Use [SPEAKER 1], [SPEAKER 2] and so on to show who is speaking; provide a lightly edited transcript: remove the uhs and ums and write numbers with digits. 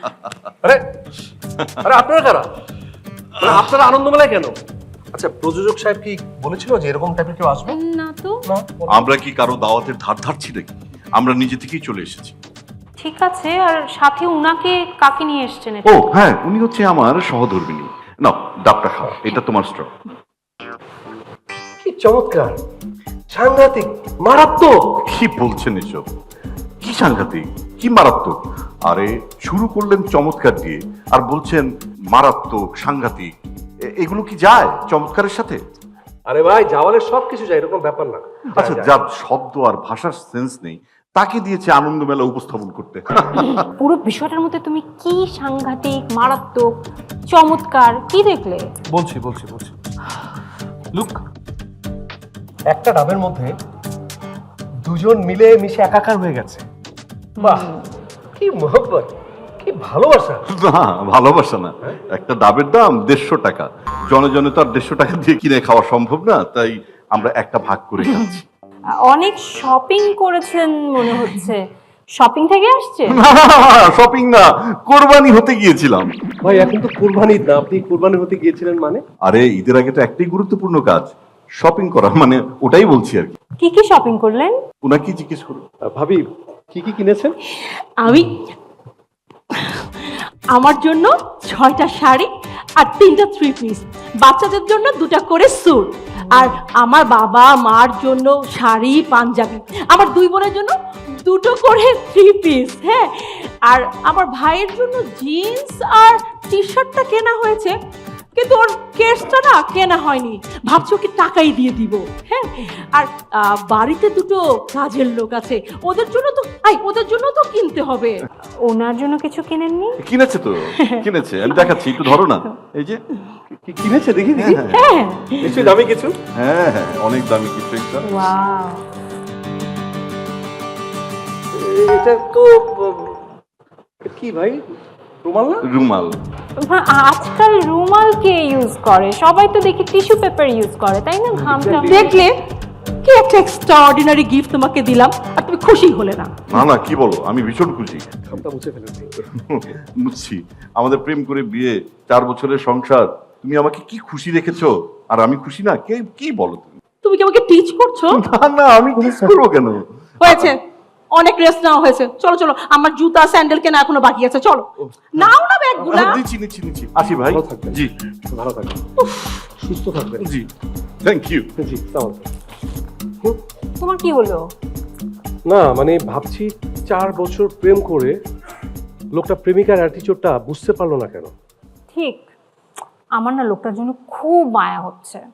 [SPEAKER 1] আরে আরে আপনারা কারা? মানে আপনারা আনন্দমেলায় কেন? আচ্ছা, প্রযোজক সাহেব কি বলেছিল যে এরকম টাইপের কেউ আসবে?
[SPEAKER 2] না তো।
[SPEAKER 1] না।
[SPEAKER 3] আমরা কি কারো দাওয়াতের ধার ধারছি নাকি? আমরা নিজে থেকেই চলে এসেছি।
[SPEAKER 2] ঠিক আছে, আর সাথে উনাকে কাকে নিয়ে এসেছেন?
[SPEAKER 3] ও হ্যাঁ, উনি হচ্ছে আমার সহধর্মিনী। নাও ডাবটা খাও, এটা তোমার স্ট্র।
[SPEAKER 1] কি চমৎকার, সাংঘাতিক, মারাত্মক।
[SPEAKER 3] কি বলছেন এসব? কি সাংঘাতিক, কি মারাত্মক? আরে শুরু করলেন চমৎকার দিয়ে আর বলছেন মারাত্মক, সাংঘাতিক। এগুলো কি যায় চমৎকারের সাথে?
[SPEAKER 1] আরে ভাই, জাওয়ালের সবকিছু যায়, এরকম ব্যাপার না।
[SPEAKER 3] আচ্ছা, যার শব্দ আর ভাষার সেন্স নেই তাকে দিয়েছে আনন্দমেলা উপস্থাপন করতে।
[SPEAKER 2] পুরো বিষয়টার মধ্যে তুমি কি সাংঘাতিক, মারাত্মক, চমৎকার কি দেখলে?
[SPEAKER 1] বলছি লুক, একটা ডাবের মধ্যে দুজন মিলে মিশে একাকার হয়ে গেছে। বাহ, কি মোহব্বত, কি ভালোবাসা।
[SPEAKER 3] না, ভালোবাসা না, একটা ডাবের দাম 150 টাকা। জনে জনে তো আর 150 টাকা দিয়ে কিনে খাওয়া সম্ভব না, তাই আমরা একটা ভাগ করে খাচ্ছি।
[SPEAKER 2] অনেক শপিং করেছেন মনে হচ্ছে। শপিং থেকে আসছে?
[SPEAKER 3] শপিং না, কোরবানি হতে গিয়েছিলাম।
[SPEAKER 1] ভাই, এখন তো কুরবানি ঈদ না, আপনি কুরবানি হতে গিয়েছিলেন মানে?
[SPEAKER 3] আরে ঈদের আগে তো একটাই গুরুত্বপূর্ণ কাজ, শপিং করা, মানে ওটাই বলছি আর কি।
[SPEAKER 2] কি কি শপিং করলেন?
[SPEAKER 3] ওনাকে জিজ্ঞেস করুন।
[SPEAKER 1] ভাবি, কি কি কিনেছেন?
[SPEAKER 4] আমি আমার জন্য 6টা শাড়ি আর 3টা 3 পিস, বাচ্চাদের জন্য 2টা করে স্যুট, আর আমার বাবা মার জন্য শাড়ি পাঞ্জাবি, আমার 2 বোনের জন্য 2টো করে 3 পিস, হ্যাঁ, আর আমার ভাইয়ের জন্য জিন্স আর টি শার্টটা কেনা হয়েছে, কিন্তু ওর কেসটা না কেনা হয়নি, ভাবছি ওকে টাকাই দিয়ে দিব, হ্যাঁ। আর বাড়িতে 2টো কাজের লোক আছে, ওদের জন্য তো কিনতে হবে।
[SPEAKER 2] ওনার জন্য কিছু কিনেননি?
[SPEAKER 3] কিনেছে তো, কিনেছে, আমি দেখাচ্ছি, একটু ধরো না। এই যে
[SPEAKER 1] কি কিনেছে দেখি দেখি।
[SPEAKER 4] হ্যাঁ,
[SPEAKER 1] নিশ্চয়ই দামি কিছু।
[SPEAKER 3] হ্যাঁ হ্যাঁ, অনেক দামি কিছু একটা।
[SPEAKER 2] ওয়াও,
[SPEAKER 1] এটা তো কি ভাই, রুমাল না?
[SPEAKER 3] রুমাল।
[SPEAKER 2] আজকাল রুমাল কে ইউজ করে? সবাই তো দেখি টিস্যু পেপার ইউজ করে, তাই না? ঘামটা
[SPEAKER 4] দেখলে কি একটা এক্সট্রাঅর্ডিনারি গিফট তোমাকে দিলাম আর তুমি খুশি হলে না?
[SPEAKER 3] না না, কি বলো, আমি ভীষণ খুশি।
[SPEAKER 1] খামটা মুছে ফেলেছি।
[SPEAKER 3] বুঝছি, আমাদের প্রেম করে বিয়ে, 4 বছরের সংসার, তুমি আমাকে কি খুশি রেখেছো, আর আমি খুশি না? কে কি বলো তুমি?
[SPEAKER 4] তুমি কি আমাকে টিচ করছো?
[SPEAKER 3] না না, আমি কিস করবো কেন?
[SPEAKER 4] হয়েছে, অনেক রেস্ট নেওয়া হয়েছে, চলো চলো, আমার জুতা স্যান্ডেল কেনা এখনো বাকি আছে, চলো নাও না ব্যাগগুলা।
[SPEAKER 3] নিচ্ছি। আসি ভাই।
[SPEAKER 1] ভালো থাকবেন।
[SPEAKER 3] জি
[SPEAKER 1] ভালো থাকবেন, সুস্থ থাকবেন।
[SPEAKER 3] জি, থ্যাংক ইউ।
[SPEAKER 1] জি, তাও।
[SPEAKER 2] তোমার কি হলো?
[SPEAKER 1] না মানে ভাবছি 4 বছর প্রেম করে লোকটা প্রেমিকার অ্যাটিটিউডটা বুঝতে পারলো না কেন?
[SPEAKER 2] ঠিক, আমার না লোকটার জন্য খুব মায়া হচ্ছে।